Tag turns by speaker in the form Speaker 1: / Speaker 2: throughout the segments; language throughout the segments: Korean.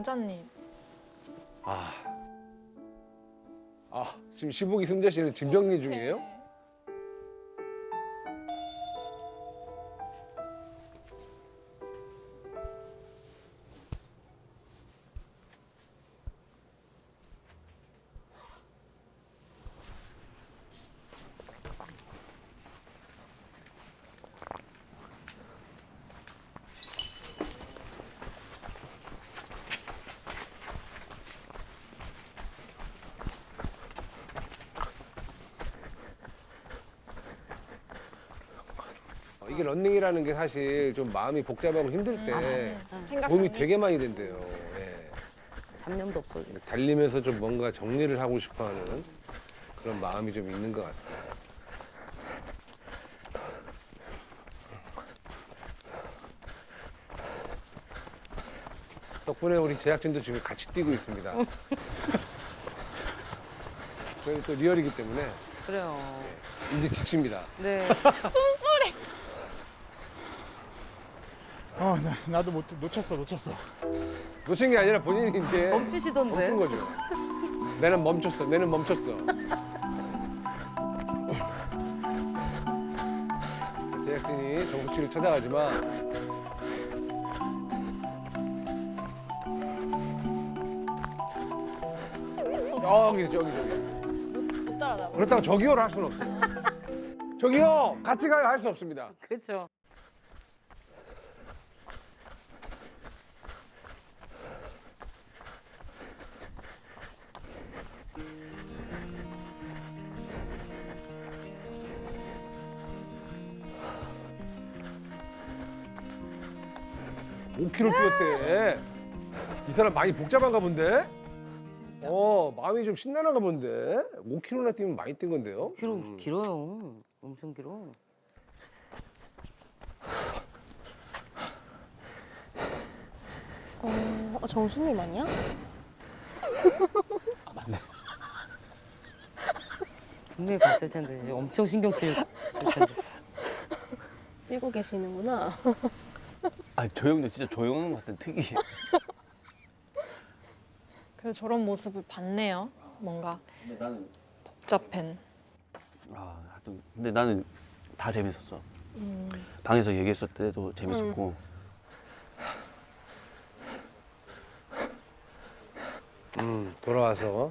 Speaker 1: 승자님.
Speaker 2: 지금 시복이 승자 씨는 짐 정리 중이에요?
Speaker 1: 네.
Speaker 2: 이게 런닝이라는 게 사실 좀 마음이 복잡하고 힘들 때
Speaker 1: 생각
Speaker 2: 도움이
Speaker 1: 정리?
Speaker 2: 되게 많이 된대요. 예.
Speaker 3: 잡념도 없어지고.
Speaker 2: 달리면서 좀 뭔가 정리를 하고 싶어하는 그런 마음이 좀 있는 것 같습니다. 덕분에 우리 제작진도 지금 같이 뛰고 있습니다. 저희 또 리얼이기 때문에
Speaker 3: 그래요.
Speaker 2: 이제 지칩니다.
Speaker 3: 네.
Speaker 4: 나도 놓쳤어.
Speaker 2: 놓친 게 아니라 본인이 이제
Speaker 3: 멈추시던데.
Speaker 2: 멈춘 거죠. 내는 멈췄어. 제작진이 정숙 씨를 찾아가지만 저기.
Speaker 1: 못 따라잡아.
Speaker 2: 그렇다고 저기요를 할 수는 없어요. 저기요! 같이 가요! 할 수 없습니다.
Speaker 3: 그렇죠.
Speaker 2: 오 k m 뛰었대. 이 사람 많이 복잡한가 본데? 마음이 좀 신나는가 본데? 5km나 뛰면 많이 뛴 건데요?
Speaker 3: 길어요. 엄청 길어.
Speaker 5: 정수님 아니야?
Speaker 3: 분명히 갔을 텐데 이제 엄청 신경 쓸 텐데.
Speaker 5: 뛰고 계시는구나.
Speaker 6: 아, 저 형도 진짜 조용한 것 같은 특이.
Speaker 1: 그래서 저런 모습을 봤네요. 뭔가
Speaker 6: 근데 나는
Speaker 1: 복잡한.
Speaker 6: 하여튼 근데 나는 다 재밌었어. 방에서 얘기했을 때도 재밌었고.
Speaker 2: 돌아와서.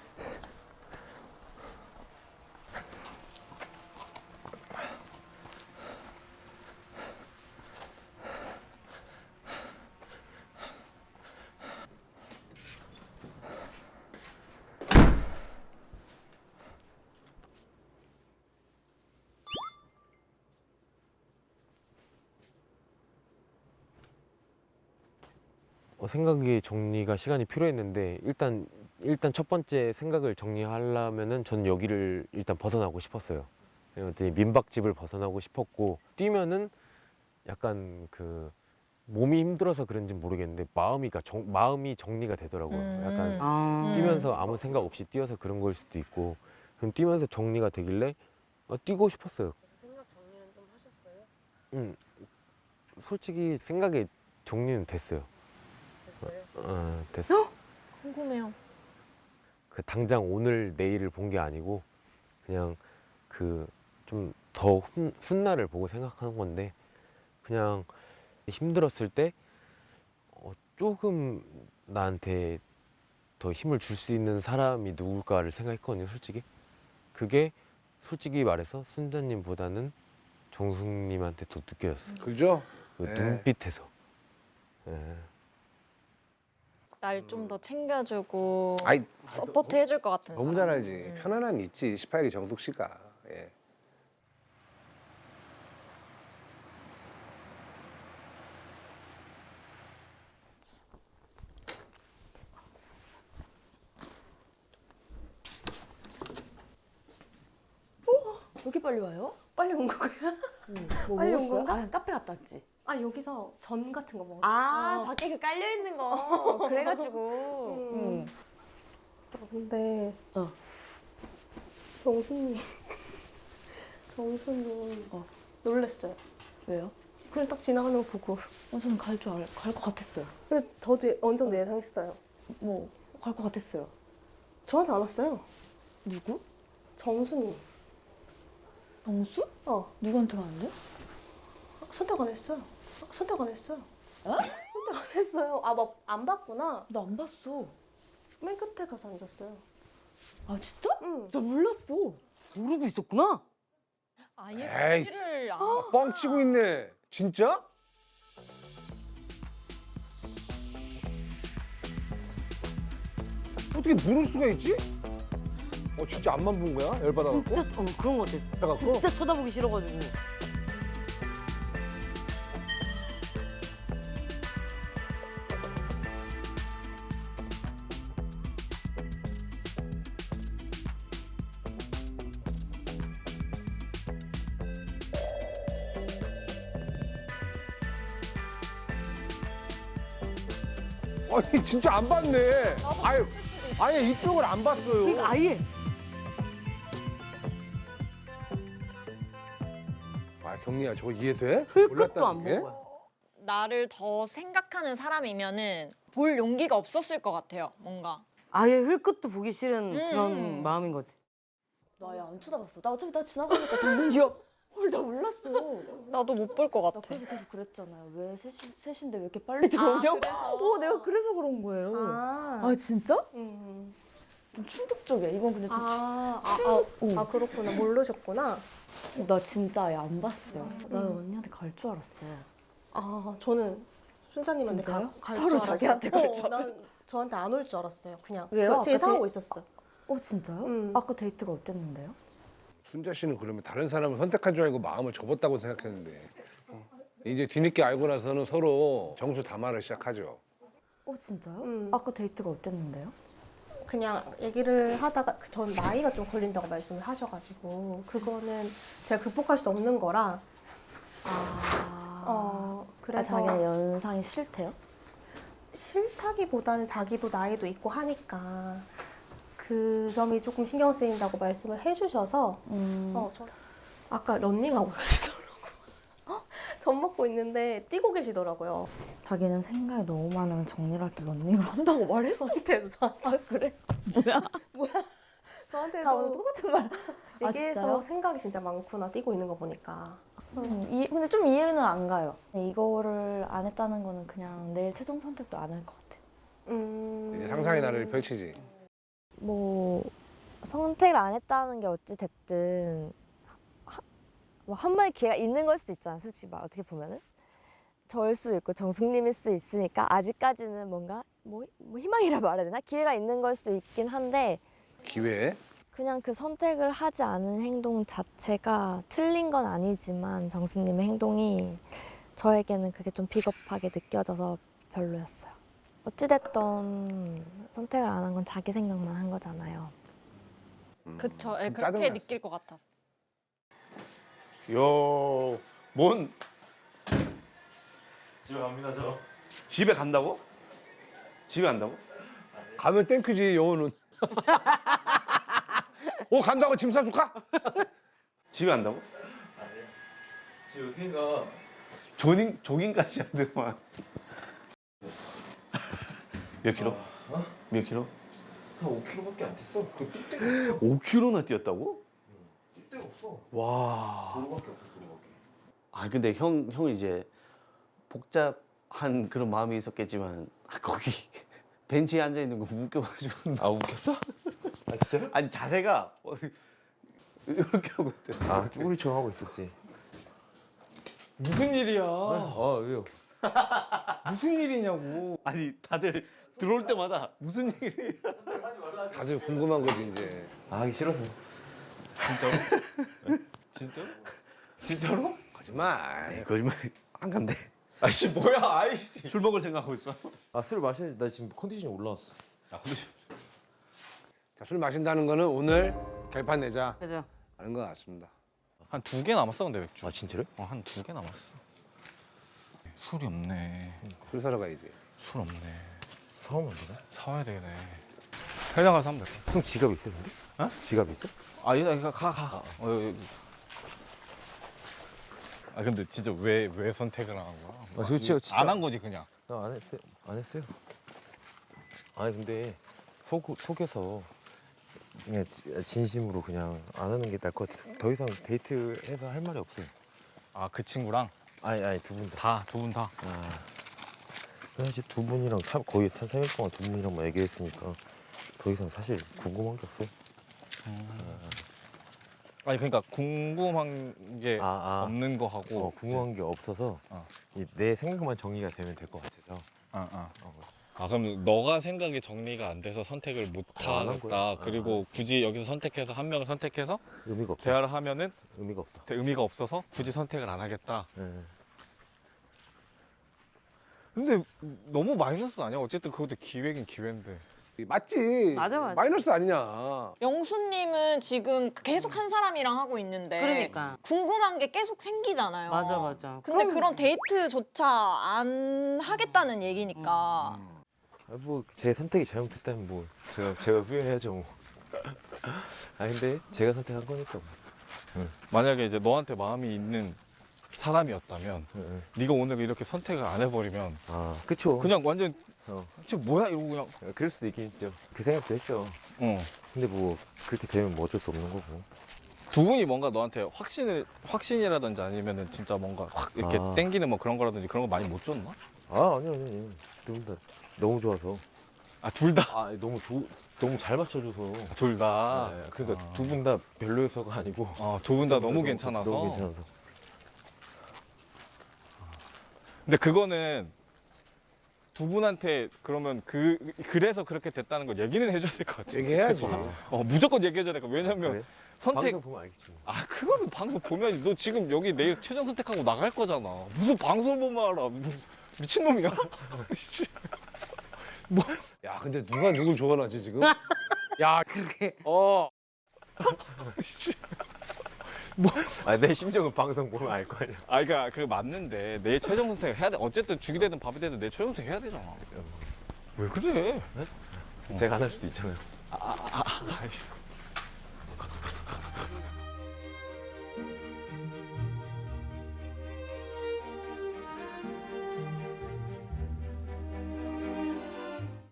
Speaker 7: 생각의 정리가 시간이 필요했는데 일단 첫 번째 생각을 정리하려면은 전 여기를 일단 벗어나고 싶었어요. 그랬더니 민박집을 벗어나고 싶었고 뛰면은 약간 그 몸이 힘들어서 그런지 모르겠는데 마음이 정리가 되더라고요. 약간 뛰면서 아무 생각 없이 뛰어서 그런 걸 수도 있고 그럼 뛰면서 정리가 되길래 뛰고 싶었어요.
Speaker 5: 생각 정리는 좀 하셨어요?
Speaker 7: 솔직히 생각의 정리는 됐어요.
Speaker 5: 됐어요?
Speaker 7: 됐어.
Speaker 1: 궁금해요.
Speaker 7: 그 당장 오늘 내일을 본 게 아니고 그냥 그 좀 더 훗날을 보고 생각하는 건데 그냥 힘들었을 때 조금 나한테 더 힘을 줄 수 있는 사람이 누굴까를 생각했거든요. 솔직히 그게 솔직히 말해서 순자님보다는 정숙님한테 더 느껴졌어요.
Speaker 2: 그죠?
Speaker 7: 그
Speaker 2: 네.
Speaker 7: 눈빛에서. 예.
Speaker 1: 날 좀 더 챙겨주고
Speaker 2: 아이,
Speaker 1: 서포트 해줄 것 같은
Speaker 2: 너무
Speaker 1: 사람.
Speaker 2: 잘 알지. 편안함이 있지. 18기 정숙 씨가. 예.
Speaker 5: 여기 빨리 와요? 빨리 온 거야? 뭐
Speaker 8: 빨리 온
Speaker 5: 먹었어요?
Speaker 8: 건가?
Speaker 5: 아, 카페 갔다 왔지?
Speaker 8: 아 여기서 전 같은 거 먹었어.
Speaker 5: 아, 밖에 그 깔려있는 거. 그래가지고.
Speaker 8: 근데
Speaker 5: 어.
Speaker 8: 정수님 정수님 놀랬어요.
Speaker 5: 왜요?
Speaker 8: 그냥 딱 지나가는 거 보고.
Speaker 5: 저는 갈 것 같았어요.
Speaker 8: 근데 저도 어느 정도 예상했어요.
Speaker 5: 뭐 갈 것 같았어요.
Speaker 8: 저한테 안 왔어요.
Speaker 5: 누구?
Speaker 8: 정수님.
Speaker 5: 영수? 누구한테 가는데?
Speaker 8: 선택 안 했어요. 선택 안 했어요.
Speaker 5: 어?
Speaker 8: 선택 안 했어요. 아, 막 안 봤구나.
Speaker 5: 나 안 봤어.
Speaker 8: 맨 끝에 가서 앉았어요.
Speaker 5: 아 진짜?
Speaker 8: 응.
Speaker 5: 나 몰랐어.
Speaker 3: 모르고 있었구나.
Speaker 1: 아예
Speaker 2: 에이씨.
Speaker 1: 보지를 안.
Speaker 2: 뻥치고 있네. 진짜? 어떻게 모를 수가 있지? 진짜 앞만 본 거야? 열받아갖고?
Speaker 3: 진짜 그런 거 같아.
Speaker 2: 해갖고?
Speaker 3: 진짜 쳐다보기 싫어가지고.
Speaker 2: 아니 진짜 안 봤네. 아예 이쪽을 안 봤어요.
Speaker 3: 그러니까 아예.
Speaker 2: 경리야 저거 이해돼?
Speaker 3: 흘끗도 안
Speaker 2: 몰랐다는 게?
Speaker 3: 본 거야.
Speaker 1: 나를 더 생각하는 사람이면은 볼 용기가 없었을 것 같아요. 뭔가.
Speaker 3: 아예 흘끗도 보기 싫은
Speaker 1: 음.
Speaker 3: 그런 마음인 거지.
Speaker 5: 나 아예 안 쳐다봤어. 나 어차피 나 지나가니까 당근이야. 나 몰랐어.
Speaker 1: 나도 못 볼 것
Speaker 5: 나
Speaker 1: 같아.
Speaker 5: 그래서 계속 그랬잖아요. 왜 셋인데 왜 이렇게 빨리 들어오냐고. 내가 그래서 그런 거예요.
Speaker 8: 아.
Speaker 5: 진짜?
Speaker 8: 음.
Speaker 5: 좀 충격적이야. 이건 근데 좀
Speaker 8: 아, 그렇구나. 모르셨구나.
Speaker 5: 나 진짜 아예 안 봤어. 나 언니한테 갈 줄 알았어.
Speaker 8: 아, 저는 순자님한테
Speaker 5: 진짜요?
Speaker 8: 갈
Speaker 5: 서로
Speaker 8: 줄 알았어요.
Speaker 5: 자기한테 갈 줄
Speaker 8: 난 저한테 안 올 줄 알았어요. 그냥.
Speaker 5: 왜요?
Speaker 8: 그래서
Speaker 5: 아까
Speaker 8: 예상하고 있었어.
Speaker 5: 진짜요? 아까 데이트가 어땠는데요?
Speaker 2: 순자 씨는 그러면 다른 사람을 선택한 줄 알고 마음을 접었다고 생각했는데 이제 뒤늦게 알고 나서는 서로 정수 담화를 시작하죠.
Speaker 5: 진짜요? 아까 데이트가 어땠는데요?
Speaker 8: 그냥 얘기를 하다가 전 나이가 좀 걸린다고 말씀을 하셔가지고 그거는 제가 극복할 수 없는 거라 그래서
Speaker 5: 자기는 연상이 싫대요?
Speaker 8: 싫다기보다는 자기도 나이도 있고 하니까 그 점이 조금 신경 쓰인다고 말씀을 해주셔서 저 아까 런닝하고 계시더라고요. 젖 먹고 있는데 뛰고 계시더라고요.
Speaker 5: 자기는 생각이 너무 많으면 정리를 할 때 런닝을 한다고 말했어.
Speaker 8: 저한테도
Speaker 5: 그래?
Speaker 8: 뭐야?
Speaker 5: 다
Speaker 8: 저한테도
Speaker 5: 오늘 똑같은 말.
Speaker 8: 얘기해서
Speaker 5: 진짜요?
Speaker 8: 생각이 진짜 많구나 뛰고 있는 거 보니까.
Speaker 5: 근데 좀 이해는 안 가요. 이거를 안 했다는 거는 그냥 내일 최종 선택도 안 할 것 같아.
Speaker 2: 이제 상상의 나래를 펼치지.
Speaker 4: 뭐 선택을 안 했다는 게 어찌 됐든 뭐 한 번의 기회가 있는 걸 수도 있잖아. 솔직히 말 어떻게 보면은 저일 수도 있고 정숙님일 수도 있으니까 아직까지는 뭔가 뭐 희망이라 말해야 되나? 기회가 있는 걸 수도 있긴 한데
Speaker 2: 기회.
Speaker 4: 그냥 그 선택을 하지 않은 행동 자체가 틀린 건 아니지만 정숙님의 행동이 저에게는 그게 좀 비겁하게 느껴져서 별로였어요. 어찌됐던 선택을 안 한 건 자기 생각만 한 거잖아요.
Speaker 1: 그쵸. 예,
Speaker 2: 좀
Speaker 1: 그렇게
Speaker 2: 짜증났어.
Speaker 1: 느낄 것 같아.
Speaker 6: 요, 뭔
Speaker 9: 집에 갑니다 저.
Speaker 6: 집에 간다고? 집에 간다고?
Speaker 2: 가면 땡큐지 영호는. 간다고 짐 싸줄까?
Speaker 6: 집에 간다고?
Speaker 9: 지금 태희가
Speaker 6: 조깅까지 하더만. 몇 킬로? 몇 킬로?
Speaker 9: 한 5kg밖에 안 됐어. 그 뛸 데가
Speaker 6: 5킬로나 뛰었다고?
Speaker 9: 뛸 데가 없어.
Speaker 6: 와.
Speaker 9: 도로밖에 없어 도로밖에.
Speaker 6: 아 근데 형 이제 복잡한 그런 마음이 있었겠지만 거기 벤치에 앉아 있는 거 웃겨가지고.
Speaker 9: 아 웃겼어? 아 진짜요?
Speaker 6: 아니 자세가 이렇게 하고 있대.
Speaker 9: 아 쭈구리처럼 하고 있었지. 무슨 일이야? 아 왜요? 무슨 일이냐고.
Speaker 6: 아니 다들 들어올 때마다 무슨 얘기를
Speaker 2: 다들 궁금한 거지 이제.
Speaker 9: 아 하기 싫어서. 진짜로? 진짜로? 진짜로?
Speaker 2: 거짓말.
Speaker 6: 거짓말 안 간대.
Speaker 9: 아이씨 뭐야 아이씨.
Speaker 6: 술 먹을 생각하고 있어.
Speaker 9: 아 술 마셔야지. 나 지금 컨디션이 올라왔어.
Speaker 6: 아 근데
Speaker 2: 자, 술 마신다는 거는 오늘 결판 내자
Speaker 3: 그죠?
Speaker 2: 하는 것 같습니다.
Speaker 10: 한 2개 남았어 근데 맥주.
Speaker 9: 아 진짜로?
Speaker 10: 한 2개 남았어. 술이 없네.
Speaker 2: 술 사러 가야지.
Speaker 10: 술 없네.
Speaker 9: 사오면 안 되나?
Speaker 10: 사와야 되겠네. 회장 가서 하면 될까?
Speaker 9: 형 지갑 있어 근데?
Speaker 10: 어?
Speaker 9: 지갑 있어?
Speaker 10: 아, 여기 가. 여기. 아 근데 진짜 왜 선택을 안 한 거야?
Speaker 9: 아, 진짜.
Speaker 10: 안 한 거지 그냥.
Speaker 9: 나 안 했어요. 안 했어요.
Speaker 7: 아니 근데 속에서
Speaker 9: 그냥 진심으로 그냥 안 하는 게 나을 것 같아서 더 이상 데이트해서 할 말이 없어요.
Speaker 10: 아 그 친구랑
Speaker 9: 아니 두 분 다.
Speaker 10: 두 분 다.
Speaker 9: 사실 두 분이랑 거의 3일 동안 두 분이랑만 얘기했으니까 더 이상 사실 궁금한 게 없어요.
Speaker 10: 아니 그러니까 궁금한 게 없는 거 하고
Speaker 9: 궁금한 게 없어서
Speaker 10: 어.
Speaker 9: 이제 내 생각만 정리가 되면 될 것 같아서.
Speaker 10: 아 그럼 너가 생각이 정리가 안 돼서 선택을 못
Speaker 9: 안 한 거야.
Speaker 10: 하겠다. 그리고 굳이 여기서 선택해서 한 명을 선택해서
Speaker 9: 의미가 없다.
Speaker 10: 대화를 하면은
Speaker 9: 의미가 없다.
Speaker 10: 의미가 없어서 굳이 선택을 안 하겠다.
Speaker 9: 예.
Speaker 10: 근데 너무 마이너스 아니야? 어쨌든 그것도 기회긴 기회인데.
Speaker 2: 맞지.
Speaker 3: 맞아, 맞아.
Speaker 2: 마이너스 아니냐.
Speaker 1: 영수님은 지금 계속 한 사람이랑 하고 있는데
Speaker 3: 그러니까.
Speaker 1: 궁금한 게 계속 생기잖아요.
Speaker 3: 맞아.
Speaker 1: 근데 그런 데이트조차 안 하겠다는 얘기니까.
Speaker 9: 뭐 제 선택이 잘못됐다면 뭐 제가 후회해야죠. 뭐. 아 근데 제가 선택한 거니까. 뭐.
Speaker 10: 만약에 이제 너한테 마음이 있는 사람이었다면 네가 오늘 이렇게 선택을 안 해버리면
Speaker 9: 아 그쵸.
Speaker 10: 그냥 완전
Speaker 9: 어.
Speaker 10: 저 뭐야 이러고 그냥
Speaker 9: 그럴 수도 있긴 있죠. 그 생각도 했죠. 근데 뭐 그렇게 되면 뭐 어쩔 수 없는 거고.
Speaker 10: 두 분이 뭔가 너한테 확신이라든지 아니면은 진짜 뭔가 확 이렇게 땡기는 뭐 그런 거라든지 그런 거 많이 못 줬나?
Speaker 9: 아니요. 두 분 다 너무 좋아서.
Speaker 10: 아 둘 다?
Speaker 7: 너무 잘 맞춰줘서.
Speaker 10: 둘 다?
Speaker 7: 네, 그러니까 두 분 다 별로여서가 아니고.
Speaker 10: 두 분 다 너무 괜찮아서?
Speaker 9: 너무 괜찮아서.
Speaker 10: 근데 그거는 두 분한테 그러면 그래서 그렇게 됐다는 걸 얘기는 해줘야 될 것 같아.
Speaker 2: 얘기해야지.
Speaker 10: 무조건 얘기해줘야 될 것 같아. 왜냐면
Speaker 9: 그래?
Speaker 10: 선택
Speaker 7: 방송 보면 알겠지.
Speaker 10: 아 그거는 방송 보면 너 지금 여기 내일 최종 선택하고 나갈 거잖아. 무슨 방송 보면 알아. 미친놈이야?
Speaker 2: 야, 근데 누가 누굴 좋아하지 지금? 야,
Speaker 3: 그게.
Speaker 7: 내 심정은 방송 보면 알 거 아니야.
Speaker 10: 아 그러니까 그 맞는데 내일 최종 선택 해야 돼. 어쨌든 죽이 되든 밥이 되든 내일 최종 선택 해야 되잖아. 왜 그래?
Speaker 7: 제가 안 할 수도 있잖아요.
Speaker 10: 아이씨.